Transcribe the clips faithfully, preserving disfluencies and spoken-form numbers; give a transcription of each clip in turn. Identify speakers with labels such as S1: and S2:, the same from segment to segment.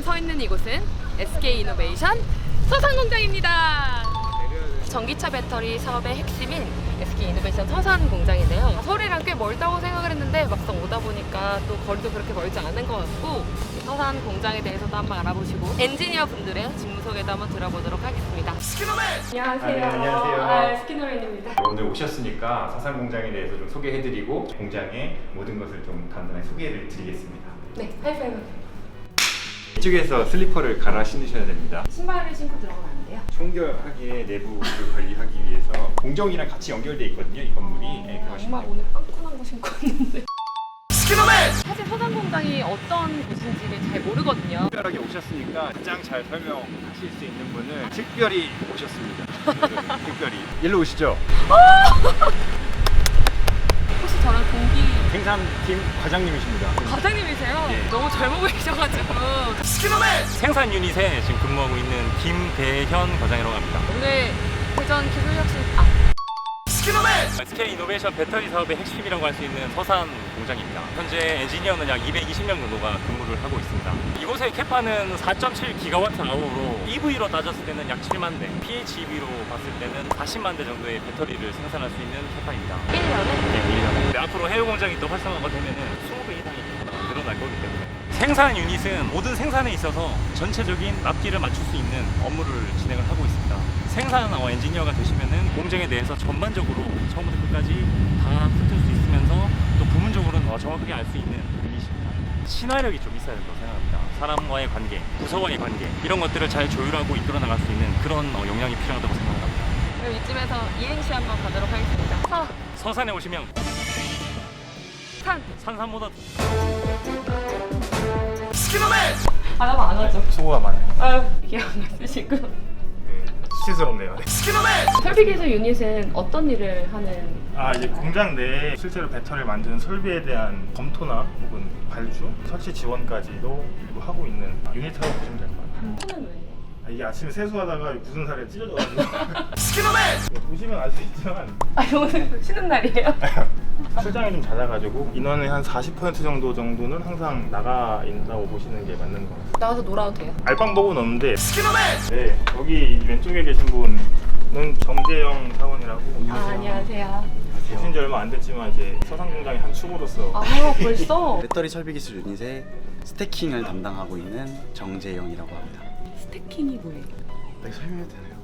S1: 서 있는 이곳은 에스케이이노베이션 서산공장입니다. 전기차 배터리 사업의 핵심인 에스케이이노베이션 서산공장인데요. 서울이랑 꽤 멀다고 생각을 했는데 막상 오다 보니까 또 거리도 그렇게 멀지 않은 것 같고, 서산공장에 대해서도 한번 알아보시고 엔지니어 분들의 직무 소개도 한번 들어보도록 하겠습니다. 안녕하세요.
S2: 아, 네, 안녕하세요.
S1: 아, 스키노맨입니다.
S2: 오늘 오셨으니까 서산 공장에 대해서 좀 소개해드리고 공장의 모든 것을 좀 간단하게 소개를 드리겠습니다.
S1: 네, 하이파이브.
S2: 이쪽에서 슬리퍼를 갈아 신으셔야 됩니다.
S1: 신발을 신고 들어가면 안 돼요?
S2: 청결하게 내부를 관리하기 위해서 공정이랑 같이 연결되어 있거든요, 이 건물이. 네,
S1: 아, 정말 오늘 빵꾸난 거 신고 왔는데. 사실 서산공장이 어떤 곳인지를 잘 모르거든요.
S2: 특별하게 오셨으니까 가장 잘 설명하실 수 있는 분은 특별히 오셨습니다. 네, 특별히 일로 오시죠.
S1: 혹시 저랑 동기
S2: 생산팀 과장님이십니다.
S1: 과장님이세요?
S2: 예.
S1: 너무 젊어 보이셔가지고.
S3: 생산 유닛에 지금 근무하고 있는 김대현 과장이라고 합니다.
S1: 오늘 대전 기술혁신 아
S3: 에스케이이노베이션 배터리 사업의 핵심이라고 할 수 있는 서산 공장입니다. 현재 엔지니어는 약 이백이십 명 정도가 근무를 하고 있습니다. 이곳의 캐파는 사 점 칠 기가와트 아워로 이브이로 따졌을 때는 약 칠만 대, 피에이치이비로 봤을 때는 사십만 대 정도의 배터리를 생산할 수 있는 캐파입니다.
S1: 일 년에
S3: 네, 일 년에. 근데 앞으로 해외 공장이 또 활성화가 되면은 이십 배 이상이 늘어날 거기 때문에 생산 유닛은 모든 생산에 있어서 전체적인 납기를 맞출 수 있는 업무를 진행을 하고 있습니다. 생산 어, 엔지니어가 되시면은 공정에 대해서 전반적으로 처음부터 끝까지 다 훑을 수 있으면서 또 부문적으로는 어, 정확하게 알 수 있는 유닛입니다. 친화력이 좀 있어야 된다고 생각합니다. 사람과의 관계, 부서와의 관계 이런 것들을 잘 조율하고 이끌어 나갈 수 있는 그런 어, 역량이 필요하다고 생각합니다.
S1: 그럼 이쯤에서 이행시 한번 가도록 하겠습니다. 서,
S3: 서산에 오시면
S1: 산.
S3: 산삼보다
S1: 하나만 안 하죠.
S2: 수고가 많아요.
S1: 아유, 기억 안 쓰시고.
S2: 네, 수치스럽네요. 네.
S1: 설비기술 유닛은 어떤 일을 하는?
S4: 아 이제 공장 내에 실제로 배터리를 만드는 설비에 대한 검토나 혹은 발주, 설치 지원까지도 일부 하고 있는 유닛이라고 보시면 될 것 같아요.
S1: 손은 왜?
S4: 아, 이게 아침에 세수하다가 굳은 살에 찢어져가지고 보시면 알 수 있지만
S1: 아, 오늘 쉬는 날이에요?
S4: 출장이 좀 잦아가지고 인원의 한 사십 퍼센트 정도 정도는 항상 나가 있다고 보시는 게 맞는 것 같아요.
S1: 나가서 놀아도 돼요?
S4: 알방법은 없는데 네, 여기 왼쪽에 계신 분은 정재영 사원이라고
S1: 아, 안녕하세요.
S4: 오신 지 얼마 안 됐지만 이제 서산공장의 한 축으로서
S1: 아, 벌써?
S5: 배터리 설비 기술 유닛의 스태킹을 담당하고 있는 정재영이라고 합니다.
S1: 스태킹이 뭐예요?
S5: 여기 설명해도 되나요?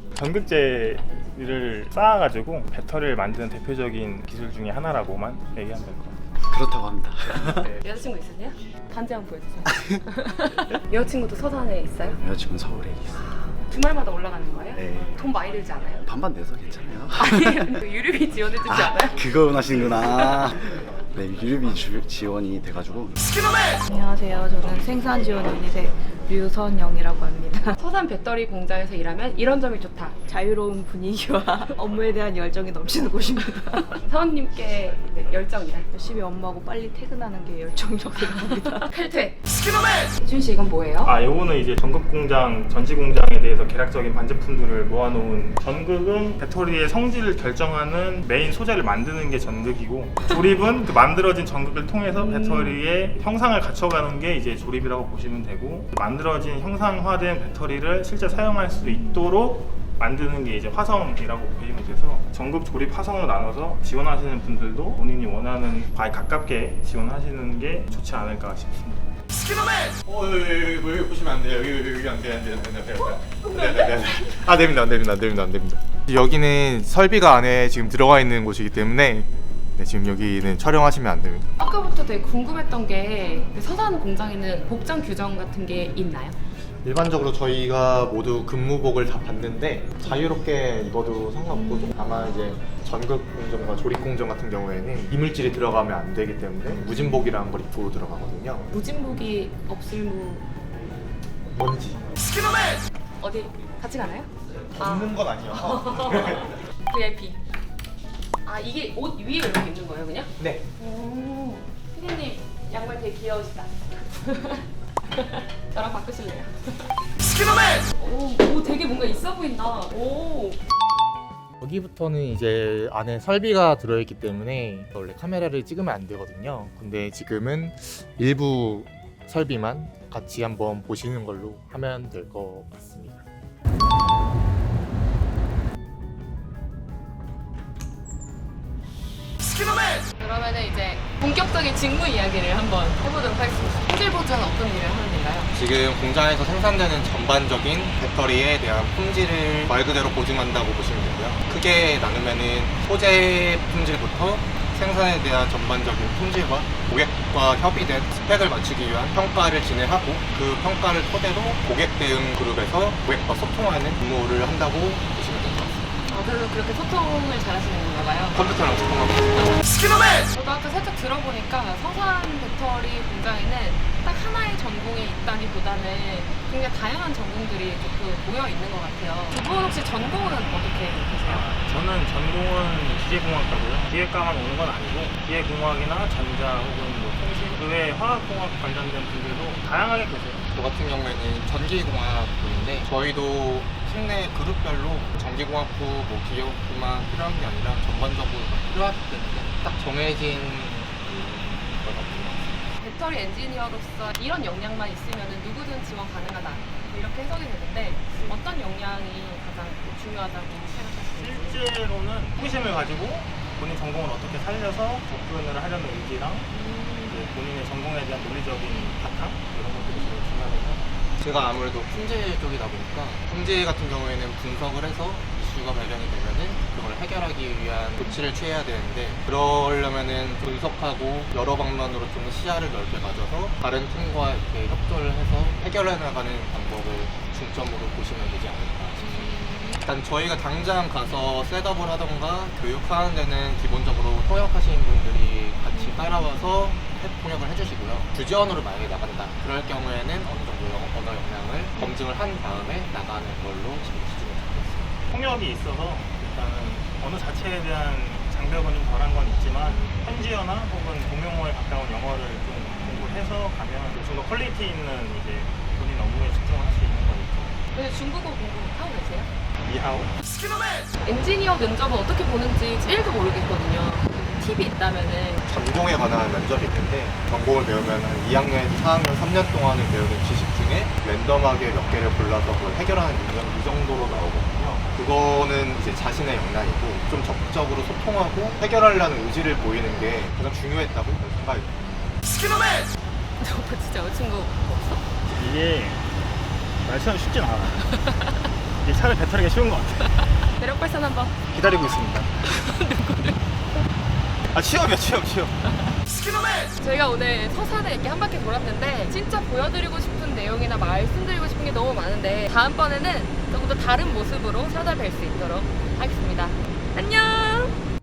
S4: 전극제를 쌓아가지고 배터리를 만드는 대표적인 기술 중에 하나라고만 얘기하면 될 것 같아요.
S5: 그렇다고 합니다.
S1: 여자친구 있으세요? 반지 한번 보여주세요. 여자친구도 서산에 있어요?
S5: 여자친구는 서울에 있어요.
S1: 주말마다 올라가는 거예요?
S5: 네.
S1: 돈 많이 들지 않아요?
S5: 반반 내서 괜찮아요.
S1: 아니, 유류비 지원해주지 않아요?
S5: 그거 원하시는구나. 네, 유류비 주, 지원이 돼가지고
S6: 안녕하세요. 저는 생산 지원 유닛의 류선영이라고 합니다.
S1: 서산 배터리 공장에서 일하면 이런 점이 좋다.
S6: 자유로운 분위기와 업무에 대한 열정이 넘치는 곳입니다.
S1: 사원님께 열정이다.
S6: 열심히 업무하고 빨리 퇴근하는 게 열정이라고 생각합니다.
S1: 칼퇴. 준 씨, 이건 뭐예요?
S4: 아, 요거는 이제 전극공장, 전지공장에 대해서 계략적인 반제품들을 모아놓은 전극은 배터리의 성질을 결정하는 메인 소재를 만드는 게 전극이고, 조립은 그 만들어진 전극을 통해서 배터리의 형상을 갖춰가는 게 이제 조립이라고 보시면 되고, 만들어진 형상화된 배터리를 실제 사용할 수 있도록 만드는 게 이제 화성이라고 보시면 돼서 전극 조립 화성으로 나눠서 지원하시는 분들도 본인이 원하는 바에 가깝게 지원하시는 게 좋지 않을까 싶습니다.
S2: 어, 여기, 여기, 여기, 여기 보시면 안 돼요. 여기, 여기, 여기 안 돼요, 안 돼요, 안 돼요, 안 돼요. 네, 네, 네. 아, 됩니다, 안 됩니다, 안 됩니다, 안 됩니다.
S7: 여기는 설비가 안에 지금 들어가 있는 곳이기 때문에 네, 지금 여기는 촬영하시면 안 됩니다.
S1: 아까부터 되게 궁금했던 게 서산 공장에는 복장 규정 같은 게 있나요?
S7: 일반적으로 저희가 모두 근무복을 다 봤는데 자유롭게 입어도 상관없고, 다만 이제 전극 공정과 조립 공정 같은 경우에는 이물질이 들어가면 안 되기 때문에 무진복이라는 걸 입고 들어가거든요.
S1: 무진복이 없을무
S7: 뭔지
S1: 어디 같이 가나요?
S7: 없는 건 아니어서.
S1: 브이아이피. 아, 이게 옷 위에 이렇게 입는 거예요, 그냥?
S7: 네.
S1: 오, 피디님 양말 되게 귀여우시다. 저랑 바꾸실래요? 오, 오, 되게 뭔가 있어 보인다. 오.
S7: 여기부터는 이제 안에 설비가 들어있기 때문에 원래 카메라를 찍으면 안 되거든요. 근데 지금은 일부 설비만 같이 한번 보시는 걸로 하면 될 것 같습니다.
S1: 그러면은 이제 본격적인 직무 이야기를 한번 해보도록 하겠습니다. 품질 보조는 어떤 일을 하는 건가요?
S7: 지금 공장에서 생산되는 전반적인 배터리에 대한 품질을 말 그대로 보증한다고 보시면 되고요. 크게 나누면은 소재 품질부터 생산에 대한 전반적인 품질과 고객과 협의된 스펙을 맞추기 위한 평가를 진행하고 그 평가를 토대로 고객 대응 그룹에서 고객과 소통하는 업무를 한다고 보시면 될 것 같습니다.
S1: 어, 그래서 그렇게 소통을 잘하시는 건가 봐요.
S7: 컴퓨터랑 소통하고 있습니다.
S1: 저도 아까 살짝 들어보니까 서산 배터리 공장에는 딱 하나의 전공이 있다기보다는 굉장히 다양한 전공들이 조금 모여 있는 것 같아요. 두 분 혹시 전공은 어떻게 되세요?
S4: 저는 전공은 기계공학과고요. 기계과만 오는 건 아니고 기계공학이나 전자 혹은 뭐 통신 그 외에 화학공학 관련된 분들도 다양하게 계세요.
S7: 저 같은 경우에는 전기공학부인데 저희도 팀내 그룹별로 전기공학부, 뭐 기계공학부만 필요한 게 아니라 전반적으로 다 필요하기 때문에 딱 정해진 것 같아요.
S1: 배터리 엔지니어로서 이런 역량만 있으면 누구든 지원 가능하다 이렇게 해석이 되는데 어떤 역량이 가장 중요하다고 생각하시는지?
S4: 실제로는 호기심을 가지고 본인 전공을 어떻게 살려서 접근을 하려는 의지랑 이제 본인의 전공에 대한 논리적인 바탕 이런 것들이 제일 중요하다고
S7: 제가 아무래도 품질 쪽이다 보니까 품질 같은 경우에는 분석을 해서 이슈가 발견이 되면은 그걸 해결하기 위한 조치를 취해야 되는데 그러려면은 분석하고 여러 방면으로 좀 시야를 넓게 가져서 다른 팀과 이렇게 협조를 해서 해결해 나가는 방법을 중점으로 보시면 되지 않을까 싶습니다. 일단 저희가 당장 가서 셋업을 하던가 교육하는 데는 기본적으로 통역하시는 분들이 같이 따라와서 통역을 해주시고요. 주지원으로 만약에 나간다. 그럴 경우에는 어느 정도 언어 역량을 검증을 한 다음에 나가는 걸로 지금 기준을 잡고 있습니다.
S4: 통역이 있어서 일단은 언어 자체에 대한 장벽은 좀 덜한 건 있지만 현지어나 혹은 공용어에 가까운 영어를 좀 공부해서 가면 좀 더 퀄리티 있는 이제 본인 업무에 집중을 할 수 있는 거니까.
S1: 근데 중국어 공부 하고 계세요?
S4: 이하오.
S1: 엔지니어 면접은 어떻게 보는지 일도 모르겠거든요. 팁이 있다면은
S7: 전공에 관한 면접이 있는데 전공을 배우면 한 이 학년에서 사 학년, 삼 년 동안을 배우는 지식 중에 랜덤하게 몇 개를 골라서 그걸 해결하는 능력 이 정도로 나오거든요. 그거는 이제 자신의 역량이고 좀 적극적으로 소통하고 해결하려는 의지를 보이는 게 가장 중요했다고 저는 생각이 듭니다.
S1: 너 진짜 여자친구 없어?
S4: 이게 말처럼 쉽진 않아. 이게 차라리 배터리가 쉬운 것 같아.
S1: 매력 발산 한번.
S4: 기다리고 있습니다.
S2: 아 취업이야 취업 취업.
S1: 저희가 오늘 서산에 이렇게 한 바퀴 돌았는데 진짜 보여드리고 싶은 내용이나 말씀드리고 싶은 게 너무 많은데 다음번에는 조금 더 다른 모습으로 찾아뵐 수 있도록 하겠습니다. 안녕!